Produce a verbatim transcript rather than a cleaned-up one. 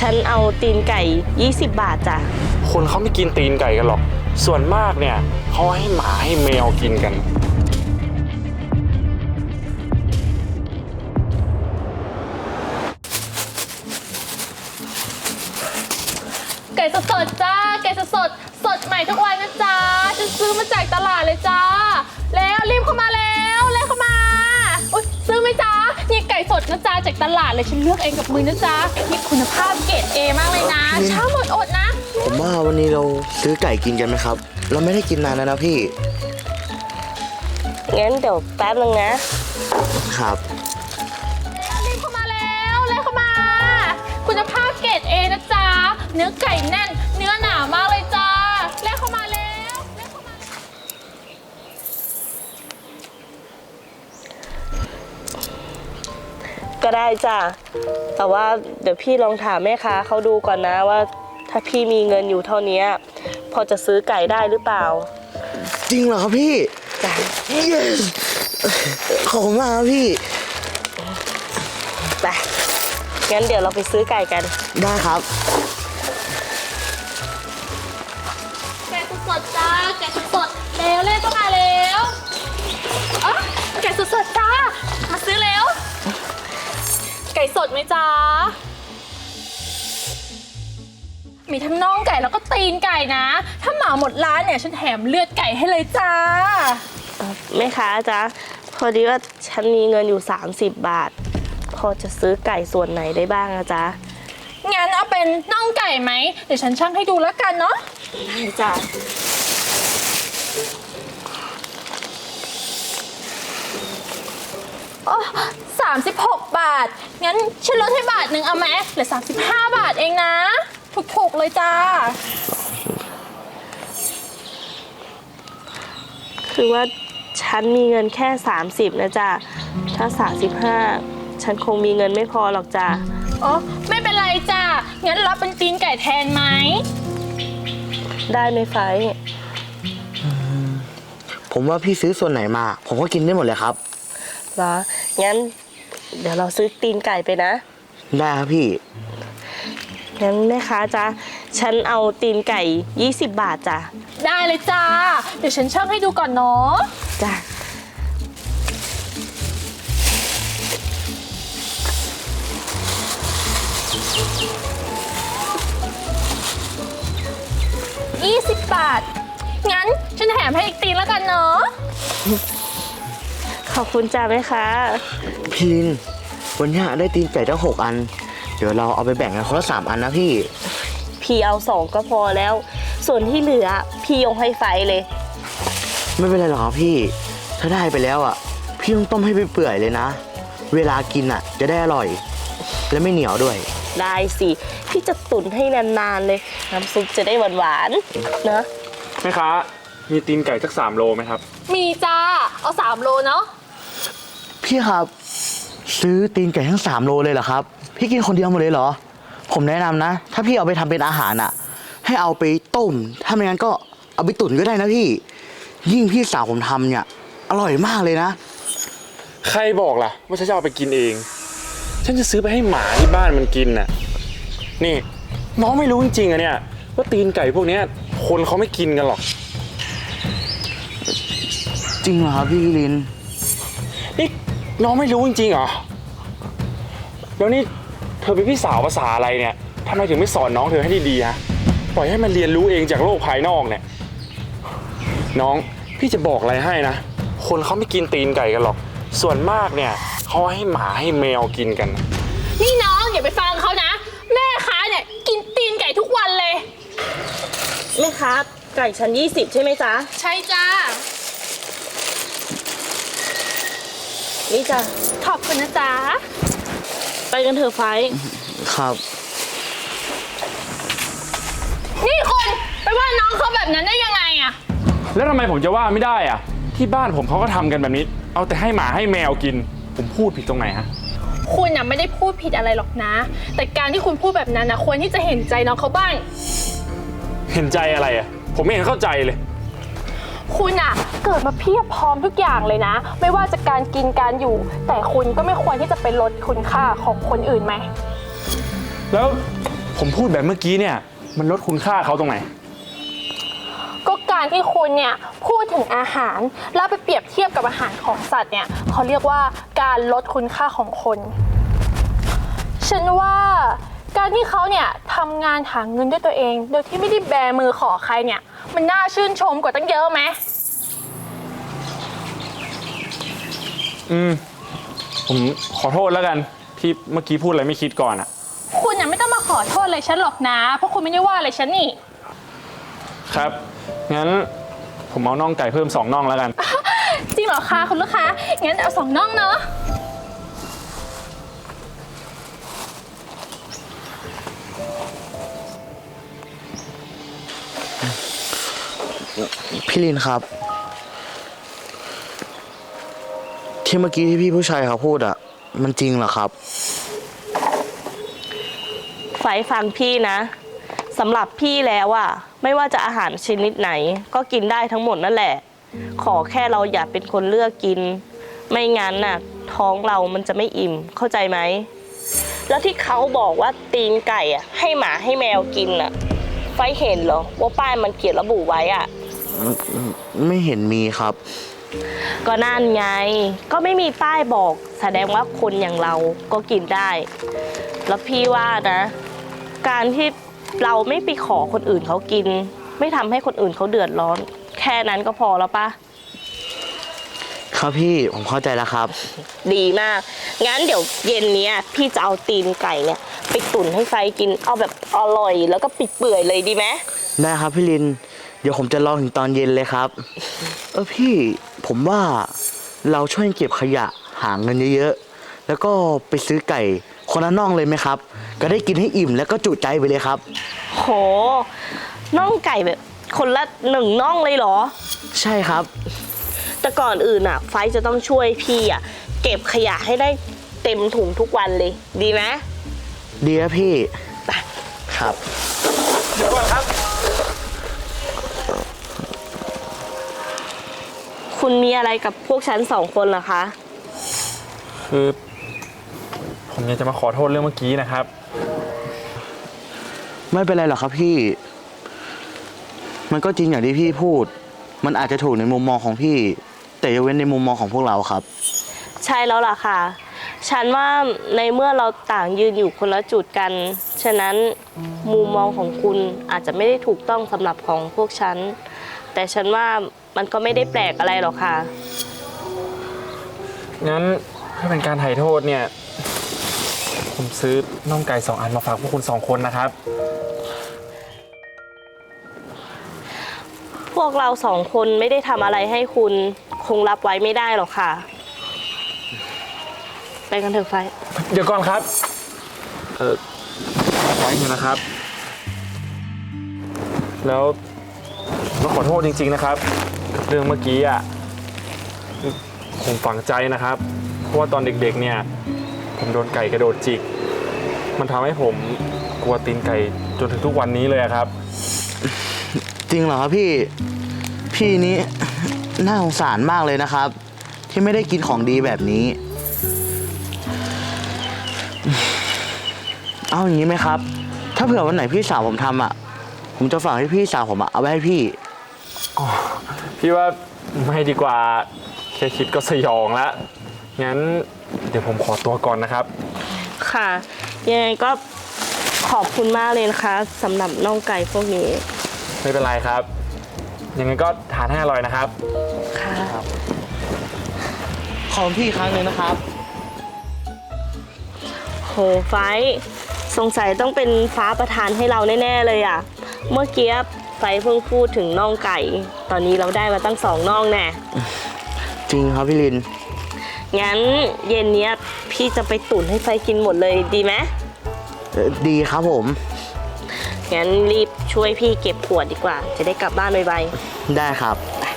ฉันเอาตีนไก่ยี่สิบบาทจ้ะคนเขาไม่กินตีนไก่กันหรอกส่วนมากเนี่ยเขาให้หมาให้แมวกินกันไก่สดๆจ้าไก่สดๆสดใหม่ทุกวันนะจ๊ะฉันซื้อมาจากตลาดเลยจ้าแล้วรีบเข้ามาแล้วเร็วเข้ามาอุ๊ยซื้อไหมจ๊ะนี่ไก่สดนะจ๊ะจากตลาดเลยฉันเลือกเองกับมือนะจ๊ะนี่คุณภาพเกรดเอมากเลยนะเช้าหมดอดนะผมว่าวันนี้เราซื้อไก่กินกันไหมครับเราไม่ได้กินนานแล้วนะพี่งั้นเดี๋ยวแป๊บนึงนะครับรีบเข้ามาแล้วเร็วเข้ามาคุณภาพเกรดเอนะจ๊ะเนื้อไก่แน่นเนื้อหนามากเลยจ้าเร็วเข้ามาแล้วเร็วเข้ามาก็ได้จ้ะแต่ว่าเดี๋ยวพี่ลองถามแม่ค้าเขาดูก่อนนะว่าถ้าพี่มีเงินอยู่เท่านี้พอจะซื้อไก่ได้หรือเปล่าจริงเหรอครับพี่จ้ะ yes ขอบคุณมากครับพี่ไปงั้นเดี๋ยวเราไปซื้อไก่กันได้ครับไก่สดๆจ้าไก่สดๆเร็วเร็วเข้ามาแล้วอ๋อไก่สดๆจ้ามาซื้อเร็วไก่สดไหมจ๊ะมีทั้งน่องไก่แล้วก็ตีนไก่นะถ้าเหมาหมดร้านเนี่ยฉันแถมเลือดไก่ให้เลยจ้าแม่ค้าจ๊ะพอดีว่าฉันมีเงินอยู่สามสิบบาทพอจะซื้อไก่ส่วนไหนได้บ้างนะจ๊ะงั้นเอาเป็นน่องไก่ไหมเดี๋ยวฉันชั่งให้ดูแล้วกันเนาะได้จ้ะโอ้สามสิบหกบาทงั้นฉันลดให้บาทหนึ่งเอาไหมเหลือสามสิบห้าบาทเองนะถูกๆเลยจ้าคือว่าฉันมีเงินแค่สามสิบนะจ๊ะถ้าสามสิบห้าฉันคงมีเงินไม่พอหรอกจ้ะอ๋อไม่เป็นไรจ้ะงั้นรับเป็นตีนไก่แทนไหมได้ไหมไฟผมว่าพี่ซื้อส่วนไหนมาผมก็กินได้หมดเลยครับเหรองั้นเดี๋ยวเราซื้อตีนไก่ไปนะได้ครับพี่งั้นแม่ค้าจ๊ะฉันเอาตีนไก่ยี่สิบบาทจ้ะได้เลยจ้าเดี๋ยวฉันชั่งให้ดูก่อนเนาะจ้ะยี่สิบบาทงั้นฉันแถมให้อีกตีนแล้วกันเนาะขอบคุณจ้าแม่ค้าพี่ลินวันนี้ได้ตีนไก่ทั้งหกอันเดี๋ยวเราเอาไปแบ่งกันคนละสามอันนะพี่พี่เอาสองก็พอแล้วส่วนที่เหลือพี่ยกให้ไฟเลยไม่เป็นไรหรอกครับพี่ถ้าได้ไปแล้วอ่ะพี่ต้องต้มให้เปื่อยๆเลยนะเวลากินอ่ะจะได้อร่อยและไม่เหนียวด้วยได้สิพี่จะตุ๋นให้นานๆเลยน้ำซุปจะได้หวานๆนะแม่ค้ามีตีนไก่สักสามโลไหมครับมีจ้าเอาสามโลเนาะพี่ครับซื้อตีนไก่ทั้งสามโลเลยเหรอครับพี่กินคนเดียวหมดเลยเหรอผมแนะนำนะถ้าพี่เอาไปทำเป็นอาหารอ่ะให้เอาไปต้มถ้าไม่งั้นก็เอาไปตุ๋นก็ได้นะพี่ยิ่งพี่สาวผมทำเนี่ยอร่อยมากเลยนะใครบอกล่ะว่าฉันจะเอาไปกินเองฉันจะซื้อไปให้หมาที่บ้านมันกินน่ะนี่น้องไม่รู้จริงๆอะเนี่ยว่าตีนไก่พวกนี้คนเขาไม่กินกันหรอกจริงเหรอครับพี่ลินนี่น้องไม่รู้จริงๆเหรอแล้วนี่เธอเป็นพี่สาวภาษาอะไรเนี่ยทำไมถึงไม่สอนน้องเธอให้ดีๆฮะปล่อยให้มันเรียนรู้เองจากโลกภายนอกเนี่ยน้องพี่จะบอกอะไรให้นะคนเขาไม่กินตีนไก่กันหรอกส่วนมากเนี่ยเขาให้หมาให้แมวกินกันนี่น้องอย่าไปฟังเขานะแม่ค้าเนี่ยกินตีนไก่ทุกวันเลยแม่ค้าไก่ชั้นยี่สิบใช่ไหมจ๊ะใช่จ้านี่จ้ะขอบคุณนะจ๊ะไปกันเถอะไฟครับนี่คุณไปว่าน้องเขาแบบนั้นได้ยังไงอะแล้วทำไมผมจะว่าไม่ได้อะที่บ้านผมเขาก็ทำกันแบบนี้เอาแต่ให้หมาให้แมวกินผมพูดผิดตรงไหนฮะคุณน่ะไม่ได้พูดผิดอะไรหรอกนะแต่การที่คุณพูดแบบนั้นนะควรที่จะเห็นใจน้องเขาบ้างเห็นใจอะไรอะผมไม่เห็นเข้าใจเลยคุณอะเกิดมาเพียบพร้อมทุกอย่างเลยนะไม่ว่าจะการกินการอยู่แต่คุณก็ไม่ควรที่จะไปลดคุณค่าของคนอื่นไหมแล้วผผมพูดแบบเมื่อกี้เนี่ยมันลดคุณค่าเขาตรงไหนก็การที่คุณเนี่ยพูดถึงอาหารแล้วไปเปรียบเทียบกับอาหารของสัตว์เนี่ยเขาเรียกว่าการลดคุณค่าของคน ฉันว่าการที่เขาเนี่ยทำงานหาเงินด้วยตัวเอง โดยที่ไม่ได้แบมือขอใครเนี่ยมันน่าชื่นชมกว่าตั้งเยอะไหมอืมผมขอโทษแล้วกันที่เมื่อกี้พูดอะไรไม่คิดก่อนอะคุณเนี่ยไม่ต้องมาขอโทษอะไรฉันหรอกนะเพราะคุณไม่ได้ว่าอะไรฉันนี่ครับ งั้นผมเอาน่องไก่เพิ่มสองน่องแล้วกันจริงเหรอคะคุณลูกค้างั้นเอาสองน่องเนาะพี่ลินครับ ที่เมื่อกี้ที่พี่ผู้ชายเขาพูดอะมันจริงเหรอครับไฟฟังพี่นะสำหรับพี่แล้วอะไม่ว่าจะอาหารชนิดไหน ก็กินได้ทั้งหมดนั่นแหละ ขอแค่เราอย่าเป็นคนเลือกกิน ไม่งั้นน่ะท้องเรามันจะไม่อิ่มเข้าใจไหมแล้วที่เขาบอกว่าตีนไก่อะให้หมาให้แมวกินอะไฟเห็นเหรอว่าป้ายมันเขียนระบุไว้อะไม่เห็นมีครับก็นั่นไงก็ไม่มีป้ายบอกแสดงว่าคนอย่างเราก็กินได้ แล้วพี่ว่านะ การที่เราไม่ไปขอคนอื่นเขากิน ไม่ทำให้คนอื่นเขาเดือดร้อน แค่นั้นก็พอแล้วปะครับพี่ผมเข้าใจแล้วครับดีมากงั้นเดี๋ยวเย็นเนี้ยพี่จะเอาตีนไก่เนี่ยไปตุ๋นให้ไฟกินเอาแบบอร่อยแล้วก็ปิดเปื่อยเลยดีไหมได้ครับพี่ลิน เดี๋ยวผมจะรอถึงตอนเย็นเลยครับ เออพี่ผมว่าเราช่วยเก็บขยะหาเงินเยอะๆแล้วก็ไปซื้อไก่คนละน่องเลยไหมครับ ก็ได้กินให้อิ่มแล้วก็จุใจไปเลยครับโหน่องไก่แบบคนละหนึ่งน่องเลยเหรอใช่ครับแต่ก่อนอื่นอ่ะไฟจะต้องช่วยพี่อ่ะเก็บขยะให้ได้เต็มถุงทุกวันเลยดีไหมดีครับพี่ครับเดี๋ยวก่อนครับคุณมีอะไรกับพวกฉันสองคนเหรอคะคือผมอยากจะมาขอโทษเรื่องเมื่อกี้นะครับไม่เป็นไรหรอกครับพี่ มันก็จริงอย่างที่พี่พูด มันอาจจะถูกในมุมมองของพี่ แต่ยกเว้นในมุมมองของพวกเราครับใช่แล้วล่ะค่ะ ฉันว่าในเมื่อเราต่างยืนอยู่คนละจุดกัน ฉะนั้นมุมมองของคุณอาจจะไม่ได้ถูกต้องสำหรับของพวกฉัน แต่ฉันว่ามันก็ไม่ได้แปลกอะไรหรอกค่ะงั้นเพื่อเป็นการไถ่โทษเนี่ย ผมซื้อน่องไก่สองอันมาฝากพวกคุณสองคนนะครับพวกเราสองคนไม่ได้ทำอะไรให้คุณคงรับไว้ไม่ได้หรอกค่ะ ไปกันเถอะไฟเดี๋ยวก่อนครับ เออไว้เถอะนะครับ แล้วผมต้องขอโทษจริงๆนะครับกับเรื่องเมื่อกี้อ่ะผมฝังใจนะครับ เพราะว่าตอนเด็กๆเนี่ย ผมโดนไก่กระโดดจิก มันทำให้ผมกลัวตีนไก่จนถึงทุกวันนี้เลยอะครับจริงเหรอครับพี่ พี่นี้น่าสงสารมากเลยนะครับ ที่ไม่ได้กินของดีแบบนี้ เอาอย่างนี้ไหมครับ ถ้าเผื่อวันไหนพี่สาวผมทำอ่ะ ผมจะฝากให้พี่สาวผมอะเอาไว้ให้พี่พี่ว่าไม่ดีกว่าแค่คิดก็สยองแล้ว งั้นเดี๋ยวผมขอตัวก่อนนะครับค่ะ ยังไงก็ขอบคุณมากเลยนะคะสำหรับน่องไก่พวกนี้ไม่เป็นไรครับ ยังไงก็ทานให้อร่อยนะครับค่ะขอบคุณพี่อีกครั้งหนึ่งนะครับโหไฟท์สงสัยต้องเป็นฟ้าประทานให้เราแน่ๆเลยอ่ะ เมื่อกี้ไฟท์เพิ่งพูดถึงน่องไก่ ตอนนี้เราได้มาตั้งสองน่องแน่จริงครับพี่ลินงั้นเย็นเนี้ยพี่จะไปตุ๋นให้ไฟท์กินหมดเลยดีไหมเอ่อดีครับผมงั้นรีบช่วยพี่เก็บขวดดีกว่า จะได้กลับบ้านไวได้ครับๆไป